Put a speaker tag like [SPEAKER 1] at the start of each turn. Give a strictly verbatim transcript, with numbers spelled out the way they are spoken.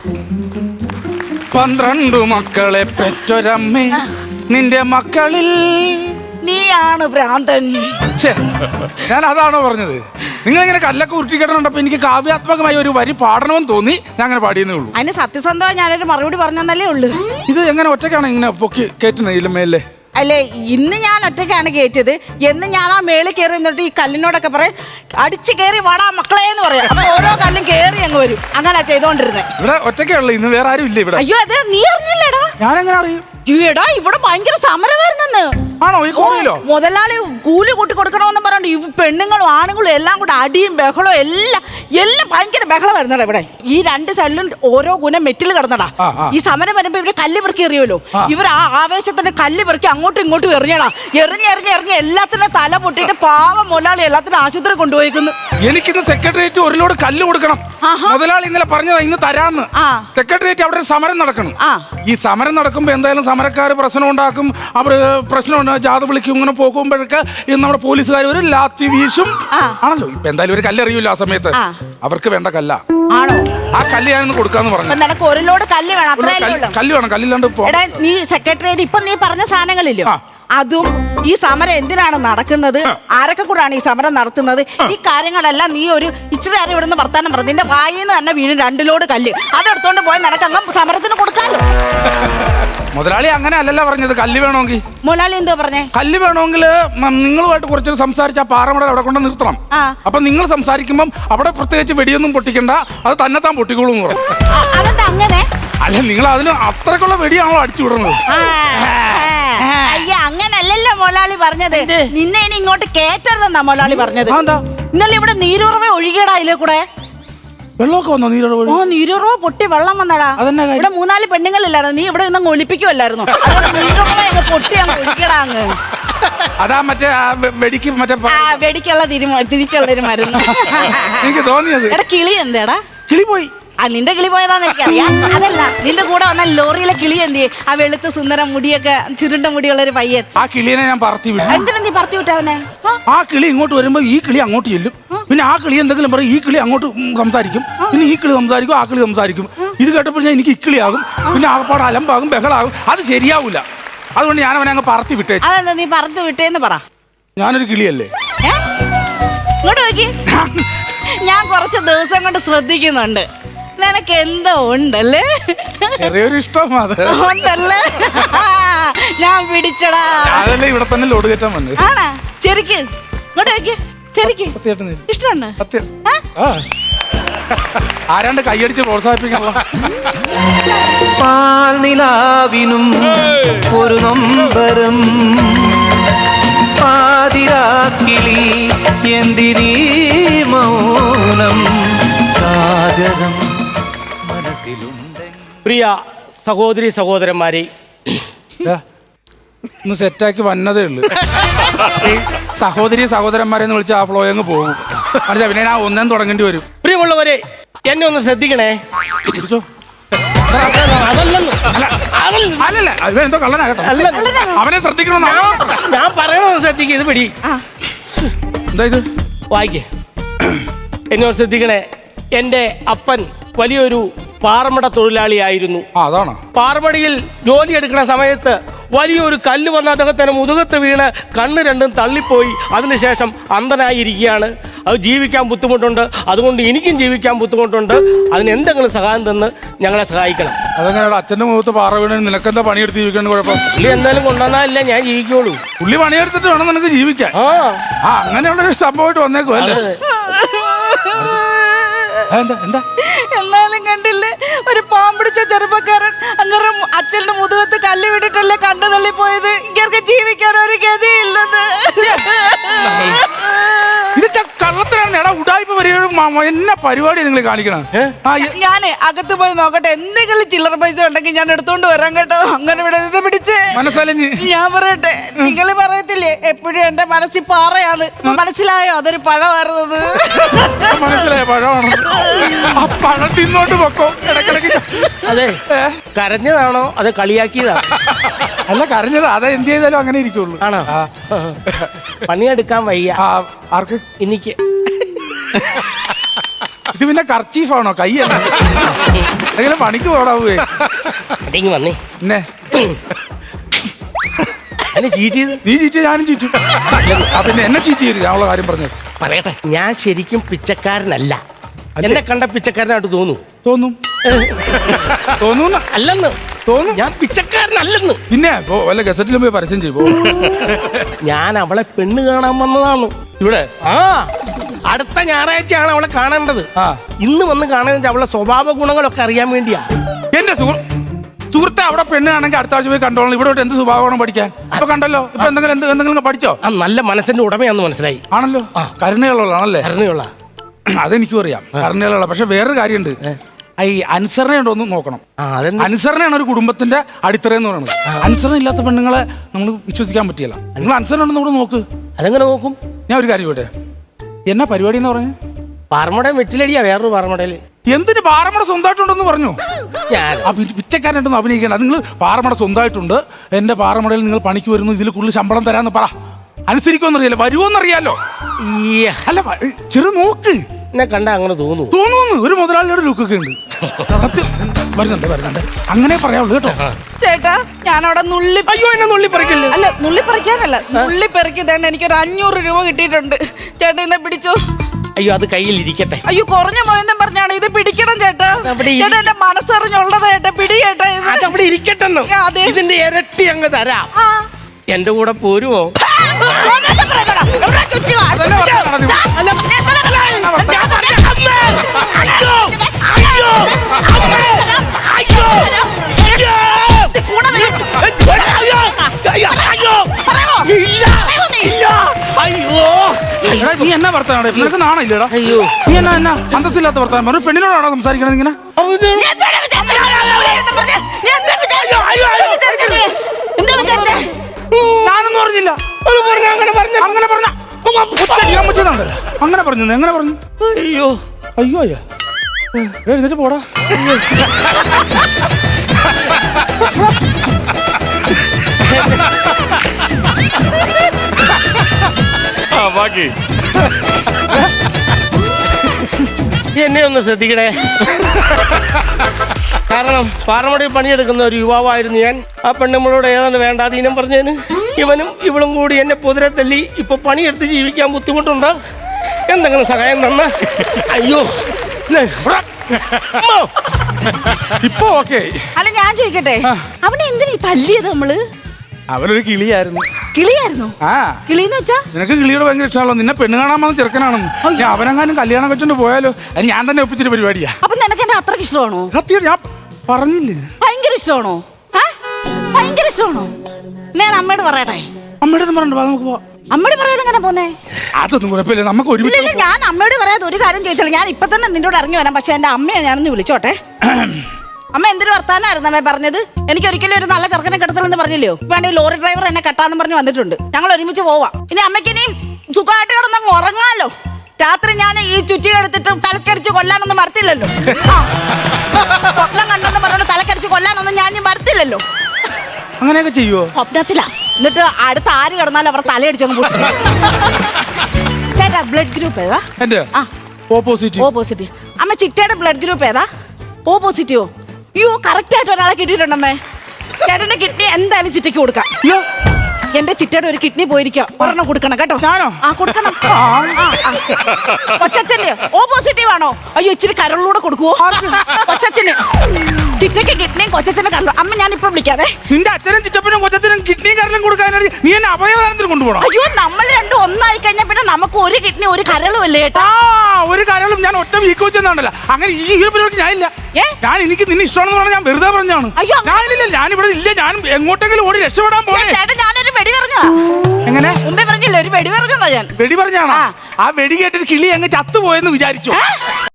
[SPEAKER 1] പന്ത്രണ്ടു മക്കളെ പെറ്റൊരമ്മേ, നിന്റെ മക്കളിൽ
[SPEAKER 2] നീയാണ് ഭ്രാന്തൻ.
[SPEAKER 1] ഞാൻ അതാണോ പറഞ്ഞത്? നിങ്ങൾ ഇങ്ങനെ കല്ലൊക്കെ ഉരുട്ടിക്കിടന്നുണ്ടപ്പോ എനിക്ക് കാവ്യാത്മകമായ ഒരു വരി പാടണമെന്ന് തോന്നി, ഞാൻ അങ്ങനെ പാടിയെന്നേ ഉള്ളൂ.
[SPEAKER 2] അതിന് സത്യസന്ധമായി ഞാനൊരു മറുപടി പറഞ്ഞതല്ലേ ഉള്ളൂ.
[SPEAKER 1] ഇത് എങ്ങനെ ഒറ്റയ്ക്കാണ് ഇങ്ങനെ പൊക്കി കയറ്റുന്നത് ഇതിലുമേലേ?
[SPEAKER 2] അല്ലേ, ഇന്ന് ഞാൻ ഒറ്റയ്ക്കാണ് കയറ്റിയത്. എന്ന് ഞാൻ ആ മേളിൽ കയറി നിന്നിട്ട് ഈ കല്ലിനോടൊക്കെ പറയും, അടിച്ചു കയറി വാടാ മക്കളെ എന്ന് പറയാം. അപ്പൊ ഓരോ കല്ലും കയറി അങ്ങ് വരും. അങ്ങനെ ചെയ്തോണ്ടിരുന്നത്.
[SPEAKER 1] ഇവിടെ ഒറ്റയ്ക്കുള്ളൂ, ഇന്ന് വേറെ ആരും ഇല്ല ഇവിടെ.
[SPEAKER 2] അയ്യോ അതെ, നീ അറിഞ്ഞില്ലേടാ?
[SPEAKER 1] ഞാൻ എങ്ങനെ അറിയും?
[SPEAKER 2] ഈടാ ഇവിടെ ഭയങ്കര സമരമായിരുന്നെന്ന്.
[SPEAKER 1] ആണോ? ഈ കോണിലോ?
[SPEAKER 2] മുതലാളി കൂലി കൂട്ടി കൊടുക്കണമെന്ന് പറഞ്ഞിട്ട് ഈ പെണ്ണുങ്ങളും ആണുങ്ങളും എല്ലാം കൂടെ അടിയും ബഹളവും എല്ലാം എല്ലാം ഭയങ്കര ബഹളമായിരുന്നടാ ഇവിടെ. ഈ രണ്ട് സൈഡിലും ഓരോ ഗുണം മെറ്റിൽ കിടന്നടാ. ഈ സമരം വരുമ്പോ ഇവര് കല്ല് പെറുക്കി എറിയുമല്ലോ. ഇവർ ആ ആവേശത്തിന് കല്ല് പെറുക്കി അങ്ങോട്ടും ഇങ്ങോട്ടും എറിഞ്ഞടാ. എറിഞ്ഞ് എറിഞ്ഞ് എറിഞ്ഞ് എല്ലാത്തിനും തല പൊട്ടിയിട്ട് പാവം മുതലാളി എല്ലാത്തിനും ആശുപത്രി കൊണ്ടുപോയിക്കുന്നു.
[SPEAKER 1] എനിക്കിന്ന് സെക്രട്ടേറിയറ്റ് ഒരു ലോഡ് കല്ല് കൊടുക്കണം. മുതലാളി ഇന്നലെ പറഞ്ഞതാ ഇന്ന് തരാന്ന്. സെക്രട്ടേറിയറ്റ് അവിടെ ഒരു സമരം നടക്കണം. ഈ സമരം നടക്കുമ്പോ എന്തായാലും സമരക്കാർ പ്രശ്നം ഉണ്ടാക്കും. അവർ പ്രശ്നം ജാഥ വിളിക്കും. ഇങ്ങനെ പോകുമ്പോഴൊക്കെ നമ്മുടെ പോലീസുകാർ ഒരു ലാത്തി വീശും ആണല്ലോ. ഇപ്പൊ എന്തായാലും ഒരു കല്ലെറിയൂല്ലോ ആ സമയത്ത്. അവർക്ക് വേണ്ട കല്ല
[SPEAKER 2] ആണോ?
[SPEAKER 1] ആ കല്ല് ഞാനൊന്ന് കൊടുക്കാന്ന് പറഞ്ഞു.
[SPEAKER 2] നിനക്ക് ഒരു ലോഡ് കല്ല് വേണം, അത്രയല്ലേ?
[SPEAKER 1] കല്ല് വേണം, കല്ലില്ലാണ്ട് പോ.
[SPEAKER 2] നീ സെക്രട്ടേറിയറ്റ് ഇപ്പൊ നീ പറഞ്ഞ സാധനങ്ങളില്ലോ, അതും ഈ സമരം എന്തിനാണ് നടക്കുന്നത്, ആരൊക്കെ കൂടാണ് ഈ സമരം നടത്തുന്നത്, ഈ കാര്യങ്ങളെല്ലാം നീ ഒരു ഇച്ചിരി നേരം ഇവിടുന്ന് വർത്താനം പറഞ്ഞു. നിന്റെ വായിന്ന് തന്നെ വീണ് രണ്ട് ലോഡ് കല്ല് അതെടുത്തോണ്ട് പോയി നടക്കങ്ങ് സമരത്തിന് കൊടുക്കാലോ.
[SPEAKER 1] മുതലാളി അങ്ങനെ അല്ലല്ലോ പറഞ്ഞത്. കല്ല് വേണമെങ്കിൽ
[SPEAKER 2] മുതലാളി എന്തോ പറഞ്ഞേ?
[SPEAKER 1] കല്ല് വേണമെങ്കിൽ നിങ്ങളുമായിട്ട് കുറച്ച് സംസാരിച്ച് ആ പാറമട അവിടെ കൊണ്ട് നിർത്തണം. അപ്പൊ നിങ്ങൾ സംസാരിക്കുമ്പം അവിടെ പ്രത്യേകിച്ച് വെടിയൊന്നും പൊട്ടിക്കണ്ട, അത് തന്നെത്താൻ പൊട്ടിക്കോളൂ എന്ന് പറഞ്ഞു.
[SPEAKER 2] അതെന്താ അങ്ങനെ?
[SPEAKER 1] അല്ല, നിങ്ങൾ അതിന് അത്രക്കുള്ള വെടിയാണോ അടിച്ചു വിടുന്നത്?
[SPEAKER 2] അയ്യ, അങ്ങനല്ലല്ലോ മുതലാളി പറഞ്ഞത്. നിന്നെ ഇനി ഇങ്ങോട്ട് കേറ്റരുതെന്നാ മുതലാളി പറഞ്ഞത്. ഇന്നലെ ഇവിടെ നീരുറവ ഒഴുകിയടാ അതിലെ കൂടെ.
[SPEAKER 1] വെള്ളമൊക്കെ വന്നോ? നീരുറവ?
[SPEAKER 2] ഓ, നീരുറവ പൊട്ടി വെള്ളം വന്നടാ. ഇവിടെ മൂന്നാല് പെണ്ണുങ്ങളില്ലായിരുന്നു, നീ ഇവിടെ നിന്ന് ഒളിപ്പിക്കുമല്ലായിരുന്നു. നീരുറവ അങ്ങ് പൊട്ടി അങ്ങ് ഒഴുകിയടാ അങ്ങ്.
[SPEAKER 1] അതാ മറ്റേ വെടിക്ക് മറ്റേ
[SPEAKER 2] വെടിക്കുള്ള തിരിച്ചുള്ളൊരു മരുന്ന്
[SPEAKER 1] എനിക്ക് തോന്നിയത്.
[SPEAKER 2] എടാ കിളി എന്താടാ?
[SPEAKER 1] കിളി പോയി.
[SPEAKER 2] ആ നിന്റെ കിളി പോയതാന്ന് എനിക്കറിയാം. അതല്ല, നിന്റെ കൂടെ വന്ന ലോറിയിലെ കിളി എന്തിയെ? ആ വെളുത്ത സുന്ദരം മുടിയൊക്കെ ചുരുണ്ട മുടിയുള്ള ഒരു പയ്യൻ.
[SPEAKER 1] ആ കിളിയെ ഞാൻ പറത്തി വിട്ടു.
[SPEAKER 2] എന്തിനാ നീ പറത്തി വിട്ടവനെ?
[SPEAKER 1] ആ കിളി ഇങ്ങോട്ട് വരുമ്പോ ഈ കിളി അങ്ങോട്ട് ചെല്ലും. പിന്നെ ആ കിളി എന്തെങ്കിലും പറയും, ഈ കിളി അങ്ങോട്ട് സംസാരിക്കും. പിന്നെ ഈ കിളി സംസാരിക്കും, ആ കിളി സംസാരിക്കും. ഇത് കേട്ടപ്പോൾ ഞാൻ എനിക്ക് ഇക്കിളിയാകും. പിന്നെ ആകപ്പാട് അലമ്പാകും, ബഹളാകും. അത് ശരിയാവൂല. അതുകൊണ്ട് ഞാൻ അവനെ അങ്ങ് പറത്തി വിട്ടേ.
[SPEAKER 2] അതെന്താ നീ പറത്തി വിട്ടേന്ന് പറ.
[SPEAKER 1] ഞാനൊരു കിളിയല്ലേ?
[SPEAKER 2] ഇങ്ങോട്ട് നോക്കി. ഞാൻ കുറച്ച് ദിവസം കൊണ്ട് ശ്രദ്ധിക്കുന്നുണ്ട്, നിനക്ക് എന്തോ ഉണ്ടല്ലേ?
[SPEAKER 1] ചെറിയൊരു ഇഷ്ടം
[SPEAKER 2] ഉണ്ടല്ലേ? ഞാൻ പിടിച്ചടാ.
[SPEAKER 1] അതല്ലേ ഇവിടെ തന്നെ ലോഡ് കയറ്റാൻ വന്നത്.
[SPEAKER 2] ആണാ? ശരിക്ക് ഇങ്ങോട്ട് നോക്കി. ശരിക്ക് ഇഷ്ടമുണ്ട്.
[SPEAKER 1] ആരാണ്ട് കൈയടിച്ച് പ്രോത്സാഹിപ്പിക്കാനുള്ള
[SPEAKER 3] പാൽനിലാവിനും ഒരു നൊമ്പരം പാതിരാക്കിളി എന്തിനീ മൗനം സാഗരം മനസ്സിലുണ്ട്.
[SPEAKER 4] പ്രിയ സഹോദരി സഹോദരന്മാരെ,
[SPEAKER 1] ഒന്ന് സെറ്റാക്കി വന്നതേ ഉള്ളു. ഈ സഹോദരി സഹോദരന്മാരെന്ന് വിളിച്ച ആ ഫ്ലോ അങ്ങ് പോകും. അല്ല, പിന്നെ ഞാൻ ഒന്നും തുടങ്ങേണ്ടി വരും.
[SPEAKER 4] പ്രിയമുള്ളവരെ, എന്നെ ഒന്ന് ശ്രദ്ധിക്കണേ.
[SPEAKER 1] എന്തോ കള്ളനാകട്ടെ, അവനെ ശ്രദ്ധിക്കണം.
[SPEAKER 4] ഞാൻ പറയണമെന്ന് ശ്രദ്ധിക്കുക. ഇത് പിടി.
[SPEAKER 1] എന്താ ഇത്?
[SPEAKER 4] വായിക്കേ. എന്നോട് ശ്രദ്ധിക്കണേ. എൻ്റെ അപ്പൻ വലിയൊരു പാറമട തൊഴിലാളിയായിരുന്നു.
[SPEAKER 1] അതാണ്.
[SPEAKER 4] പാറമടയിൽ ജോലി എടുക്കുന്ന സമയത്ത് വലിയൊരു കല്ല് വന്ന അദ്ദേഹത്തിന് മുതുകത്ത് വീണ് കണ്ണ് രണ്ടും തള്ളിപ്പോയി. അതിനുശേഷം അന്ധനായിരിക്കുകയാണ്. അത് ജീവിക്കാൻ ബുദ്ധിമുട്ടുണ്ട്. അതുകൊണ്ട് എനിക്കും ജീവിക്കാൻ ബുദ്ധിമുട്ടുണ്ട്. അതിന് എന്തെങ്കിലും സഹായം തന്ന് ഞങ്ങളെ സഹായിക്കണം.
[SPEAKER 1] അതെങ്ങനെ അച്ഛൻ്റെ മുഖത്ത് പാറ വീണ് നിനക്കെന്താ പണിയെടുത്ത് ജീവിക്കാൻ കുഴപ്പം?
[SPEAKER 4] പുള്ളി എന്തായാലും കൊണ്ടുവന്നാലല്ലേ ഞാൻ ജീവിക്കുള്ളൂ.
[SPEAKER 1] പുള്ളി പണിയെടുത്തിട്ട് വേണം നിനക്ക് ജീവിക്കാൻ. ആ അങ്ങനെയുള്ള ഒരു സംഭവമായിട്ട് വന്നേക്കും അല്ലേ? എന്താ എന്താ
[SPEAKER 2] എന്നാലും കണ്ടില്ലേ, ഒരു പാമ്പിടിച്ച ചെറുപ്പക്കാരൻ അങ്ങനെ അച്ഛന്റെ മുതുകത്ത് കല്ല് വിട്ടിട്ടല്ലേ കണ്ടു തള്ളി പോയത്. ഇങ്ങനെ ജീവിക്കാൻ ഒരു ഗതിയില്ലെന്ന്.
[SPEAKER 1] ഇതൊക്കെ കള്ളത്തിലാണ്. എടാ ഉടായ്പ വരികയും എന്നാ പരിപാടി നിങ്ങൾ കാണിക്കണം.
[SPEAKER 2] ഞാന് അകത്ത് പോയി നോക്കട്ടെ, എന്തെങ്കിലും ചില്ലറ പൈസ ഉണ്ടെങ്കിൽ ഞാൻ എടുത്തോണ്ട് വരാം കേട്ടോ. അങ്ങനെ ഇവിടെ പിടിച്ച് മനസ്സലിഞ്ഞ് ഞാൻ പറയട്ടെ, നിങ്ങൾ പറയത്തില്ലേ എപ്പോഴും എന്റെ മനസ്സിൽ പാറയാണ്. മനസ്സിലായോ? അതൊരു പഴമായിരുന്നത്.
[SPEAKER 1] മനസ്സിലായോ? പഴമാണ്. ആ പഴം തിന്നോണ്ട് പൊക്കോ ഇടക്കിടക്ക്.
[SPEAKER 4] അതെ, കരഞ്ഞതാണോ അത് കളിയാക്കിയതാണോ?
[SPEAKER 1] അല്ല, കരഞ്ഞത്. അതാ എന്ത് ചെയ്താലും അങ്ങനെ ഇരിക്കുള്ളൂ.
[SPEAKER 4] ആണോ? പണിയെടുക്കാൻ വയ്യ.
[SPEAKER 1] ആർക്ക്?
[SPEAKER 4] എനിക്ക്.
[SPEAKER 1] ഇത് പിന്നെ കർച്ചീഫാണോ? കൈയല്ല. എന്തെങ്കിലും പണിക്ക് പോടാവേ.
[SPEAKER 4] അതെങ്കിൽ വന്നേ
[SPEAKER 1] പിന്നെ
[SPEAKER 4] എന്നെ ചീറ്റ് ചെയ്ത്
[SPEAKER 1] നീ ചീറ്റ് ഞാനും ചീറ്റും. ആ പിന്നെ എന്നെ ചീറ്റ് ചെയ്ത് ഞാനുള്ള കാര്യം പറഞ്ഞത്
[SPEAKER 4] പറയട്ടെ. ഞാൻ ശരിക്കും പിച്ചക്കാരനല്ല. എന്നെ കണ്ട പിച്ചക്കാരനായിട്ട് തോന്നു
[SPEAKER 1] തോന്നും തോന്നുന്നു
[SPEAKER 4] അല്ലെന്ന്
[SPEAKER 1] തോന്നും.
[SPEAKER 4] ഞാൻ പിച്ചക്കാരനല്ലെന്ന്.
[SPEAKER 1] പിന്നെ പോ വല്ല ഗസറ്റിലും പോയി പരസ്യം ചെയ്യും.
[SPEAKER 4] ഞാൻ അവളെ പെണ്ണ് കാണാൻ വന്നതാണ്
[SPEAKER 1] ഇവിടെ.
[SPEAKER 4] ആ അടുത്ത ഞായറാഴ്ചയാണ് അവളെ കാണേണ്ടത്.
[SPEAKER 1] ആ
[SPEAKER 4] ഇന്ന് വന്ന് കാണുന്നത് അവളുടെ സ്വഭാവ ഗുണങ്ങളൊക്കെ അറിയാൻ വേണ്ടിയാ.
[SPEAKER 1] എന്റെ സുഹൃ സുഹൃത്തെ അവിടെ പെണ്ണാണെങ്കിൽ അടുത്ത ആഴ്ച പോയി കണ്ടോളാം. ഇവിടെ തൊട്ട് എന്ത് സ്വഭാവമാണ് പഠിക്കാൻ? ഇപ്പൊ കണ്ടല്ലോ. ഇപ്പൊ എന്തെങ്കിലും എന്ത് എന്തെങ്കിലും പഠിച്ചോ?
[SPEAKER 4] ആ നല്ല മനസ്സിന്റെ ഉടമയാന്ന് മനസ്സിലായി.
[SPEAKER 1] ആണല്ലോ. കരുണയുള്ളതാണല്ലേ?
[SPEAKER 4] അറിഞ്ഞുള്ള
[SPEAKER 1] അതെനിക്കും അറിയാം, കരുണയുള്ള. പക്ഷെ വേറൊരു കാര്യമുണ്ട്. ഈ അനുസരണ ഉണ്ടോന്ന് നോക്കണം. അനുസരണയാണ് ഒരു കുടുംബത്തിന്റെ അടിത്തറ എന്ന് പറയുന്നത്. അനുസരണ ഇല്ലാത്ത പെണ്ണുങ്ങളെ നമ്മൾ വിശ്വസിക്കാൻ പറ്റില്ല. നിങ്ങൾ അനുസരണ ഉണ്ടെന്ന് കൂടെ നോക്ക്.
[SPEAKER 4] അതെങ്ങനെ നോക്കും?
[SPEAKER 1] ഞാൻ ഒരു കാര്യം പോട്ടെ. എന്നാ പരിപാടി എന്ന് പറഞ്ഞു?
[SPEAKER 4] പാറമട വെറ്റിലടിയാ. വേറൊരു പാറമടയില്
[SPEAKER 1] എന്തിന് പാറമട സ്വന്തമായിട്ടുണ്ടെന്ന് പറഞ്ഞു. പിച്ചക്കാരനായിട്ടൊന്നും അഭിനയിക്കണം. നിങ്ങൾ പാറമട സ്വന്തമായിട്ടുണ്ട്, എന്റെ പാറമടയിൽ നിങ്ങൾ പണിക്ക് വരുന്നു, ഇതിൽ കൂടുതൽ ശമ്പളം തരാന്ന് പറ. അനുസരിക്കുമെന്നറിയാലോ, വരുമോന്നറിയാലോ. അല്ല ചെറു നോക്ക്.
[SPEAKER 4] എന്നെ കണ്ട അങ്ങനെ തോന്നുന്നു
[SPEAKER 1] തോന്നുന്നു ഒരു മുതലാളിയുടെ ലുക്കൊക്കെ ഉണ്ട്. വരുന്നുണ്ട് വരുന്നുണ്ട് അങ്ങനെ പറയാവുള്ളൂ കേട്ടോ.
[SPEAKER 2] ചേട്ടാ ഞാൻ അവിടെ നുള്ളി.
[SPEAKER 4] അയ്യോ എന്നെ നുള്ളി പറിക്കല്ലേ.
[SPEAKER 2] അല്ല നുള്ളി പറിക്കാനല്ല, നുള്ളി പെറുക്കി തേണ്ട എനിക്കൊരു അഞ്ഞൂറ് രൂപ കിട്ടിയിട്ടുണ്ട്. ചേട്ടാ ഇന്നെ പിടിച്ചോ.
[SPEAKER 4] അയ്യോ അത് കയ്യിൽ ഇരിക്കട്ടെ.
[SPEAKER 2] അയ്യോ കുറഞ്ഞ മോയെന്നും പറഞ്ഞാണ് ഇത് പിടിക്കണം ചേട്ടാ. ചേട്ടാ എന്റെ മനസ്സറിഞ്ഞുള്ളത് ചേട്ടാ, പിടി ചേട്ടാ. ഇത്
[SPEAKER 4] അതവിടെ ഇരിക്കട്ടെന്ന്. ഇതിന്റെ ഇരട്ടി അങ്ങ് തരാം. എന്റെ കൂടെ പോരുമോ?
[SPEAKER 1] നീ എന്നാ വർത്താനം? നിനക്ക് നാണില്ലടാ?
[SPEAKER 4] അയ്യോ
[SPEAKER 1] നീ എന്നാ എന്നാ അന്തസ്സില്ലാത്ത വർത്താനം? ഒരു പെണ്ണിനോടാണോ സംസാരിക്കണത് ഇങ്ങനെ? ഞാനൊന്നും പറഞ്ഞില്ല. അങ്ങനെ പറഞ്ഞ അങ്ങനെ പറഞ്ഞ അങ്ങനെ പറഞ്ഞു. എങ്ങനെ പറഞ്ഞു?
[SPEAKER 4] അയ്യോ
[SPEAKER 1] അയ്യോ അയ്യോ എഴുന്നേറ്റ് പോടാ.
[SPEAKER 4] എന്നെ ഒന്ന് ശ്രദ്ധിക്കണേ. കാരണം പാറമടയിൽ പണിയെടുക്കുന്ന ഒരു യുവാവായിരുന്നു ഞാൻ. ആ പെണ്ണുമ്മളോട് ഏതാണ്ട് വേണ്ടാതീനം പറഞ്ഞതിന് ഇവനും ഇവളും കൂടി എന്നെ പൊതിരെ തല്ലി. ഇപ്പൊ പണിയെടുത്ത് ജീവിക്കാൻ ബുദ്ധിമുട്ടുണ്ട്. എന്തെങ്കിലും സഹായം തന്ന. അയ്യോ
[SPEAKER 1] ഇപ്പൊ ഓക്കെ.
[SPEAKER 2] അല്ല ഞാൻ ചോദിക്കട്ടെ, അവനെ എന്തിനാ തല്ലിയത് നമ്മള്?
[SPEAKER 1] അവനൊരു കിളിയായിരുന്നു.
[SPEAKER 2] കിളിയായിരുന്നു? ആ കിളിന്ന് വെച്ചാ
[SPEAKER 1] നിനക്ക് കിളിയോട് ഭയങ്കര ഇഷ്ടമാണല്ലോ. നിന്നെ പെണ്ണ് കാണാൻ വന്ന ചെറുക്കനാണെന്ന്. ഞാൻ അവനെങ്ങാനും കല്യാണം വെച്ചോണ്ട് പോയാലോ? അത് ഞാൻ തന്നെ ഒപ്പിച്ചൊരു പരിപാടിയാ.
[SPEAKER 2] അപ്പൊ നിനക്ക് എന്നെ അത്രക്ക് ഇഷ്ടമാണോ?
[SPEAKER 1] സത്യം ഞാൻ പറഞ്ഞില്ലേ.
[SPEAKER 2] ഭയങ്കര ഇഷ്ടമാണോ? ഭയങ്കര ഇഷ്ടമാണോ? ഞാൻ അമ്മയോട് പറയട്ടെ.
[SPEAKER 1] അമ്മയുടെ പറഞ്ഞു നമുക്ക് പോവാം.
[SPEAKER 2] അമ്മയോട് പറയാതെ എങ്ങനെ പോന്നേ?
[SPEAKER 1] അതൊന്നും കുഴപ്പമില്ല, നമുക്ക് ഒരുമിച്ച്.
[SPEAKER 2] ഞാൻ അമ്മയോട് പറയാതെ ഒരു കാര്യം ചെയ്തില്ല. ഞാൻ ഇപ്പൊ തന്നെ നിന്നോട് ഇറങ്ങി വരാം. പക്ഷെ എന്റെ അമ്മയെ ഞാനൊന്ന് വിളിച്ചോട്ടെ. അമ്മ എന്തൊരു വർത്താനായിരുന്നു അമ്മ പറഞ്ഞത്? എനിക്ക് ഒരിക്കലും ഒരു നല്ല ചെറുക്കനെ കെടുത്തലെന്ന് പറഞ്ഞില്ലയോ? വേണ്ട ലോറി ഡ്രൈവർ എന്നെ കെട്ടാന്ന് പറഞ്ഞ് വന്നിട്ടുണ്ട്. ഞങ്ങൾ ഒരുമിച്ച് പോവാം. ഇനി അമ്മയ്ക്ക് ഇനിയും സുഖമായിട്ട് കിടന്നങ്ങ് ഉറങ്ങാലോ. രാത്രി ഞാൻ ഈ ചുറ്റി എടുത്തിട്ട് തലക്കടിച്ച് കൊല്ലാനൊന്നും വരത്തില്ലല്ലോ. സ്വപ്നം കണ്ടെന്ന് പറഞ്ഞോണ്ട് തലക്കടിച്ച് കൊല്ലാനൊന്നും ഞാൻ വരത്തില്ലല്ലോ.
[SPEAKER 1] അങ്ങനെയൊക്കെ ചെയ്യുവോ?
[SPEAKER 2] സ്വപ്നത്തിലാ. എന്നിട്ട് അടുത്ത ആര് കിടന്നാലും അവർ തലയടിച്ചങ്ങ് പോയി. ചേട്ടാ ബ്ലഡ് ഗ്രൂപ്പ് ഏതാ?
[SPEAKER 1] ഓപ്പോസിറ്റ്.
[SPEAKER 2] ഓപ്പോസിറ്റ്. അമ്മ ചിറ്റയുടെ ബ്ലഡ് ഗ്രൂപ്പ് ഏതാ? ഓ പോസിറ്റീവോ? അയ്യോ കറക്റ്റ് ആയിട്ട് ഒരാളെ കിട്ടിയിട്ടുണ്ടമ്മേ. ചേട്ടന്റെ കിഡ്നി എന്തായാലും ചിറ്റയ്ക്ക് കൊടുക്കാം. എന്റെ ചിറ്റയുടെ ഒരു കിഡ്നി പോയിരിക്കുക. ഒരെണ്ണം കൊടുക്കണം കേട്ടോ. ആ കൊടുക്കണം. കൊച്ചച്ഛന് ഓ പോസിറ്റീവ് ആണോ? അയ്യോ ഇച്ചിരി കരളിലൂടെ കൊടുക്കുവോ? കൊച്ചച്ഛന് ചിറ്റയ്ക്ക് കിഡ്നിയും കൊച്ചച്ഛന് കരളും. അമ്മ ഞാൻ ഇപ്പൊ വിളിക്കാവേ.
[SPEAKER 1] നിന്റെ അച്ഛനും ചിറ്റപ്പനും കൊച്ചച്ഛനും കിഡ്നിയും കരളും കൊടുക്കാനാണ് നീ എന്നെ അവയവദാനത്തിന് കൊണ്ടുപോകണം.
[SPEAKER 2] അയ്യോ നമ്മൾ രണ്ടും ഒന്നായി കഴിഞ്ഞാൽ പിന്നെ നമുക്ക് ഒരു കിഡ്നി ഒരു കരളും അല്ലേ ചേട്ടാ?
[SPEAKER 1] ഒരു കരളും ഞാൻ ഒറ്റ വീക്ക് വെച്ചെന്നാണല്ലോ. അങ്ങനെ ഈ ഒരു പരിപാടി ഞാനില്ല. ഞാൻ എനിക്ക് നിന്നെ ഇഷ്ടമാണെന്ന് പറഞ്ഞാൽ ഞാൻ വെറുതെ പറഞ്ഞാണ്. ഞാനില്ല, ഞാനിവിടെ ഇല്ല. ഞാൻ എങ്ങോട്ടെങ്കിലും ഓടി രക്ഷപ്പെടാൻ പോണേ.
[SPEAKER 2] ഞാനൊരു വെടി പറഞ്ഞതാ.
[SPEAKER 1] എങ്ങനെ
[SPEAKER 2] മുമ്പേ പറഞ്ഞില്ല ഒരു വെടി പറഞ്ഞതാ ഞാൻ.
[SPEAKER 1] വെടി പറഞ്ഞാണോ? ആ വെടി കേട്ടിട്ട് കിളി അങ്ങ് ചത്തുപോയെന്ന് വിചാരിച്ചു.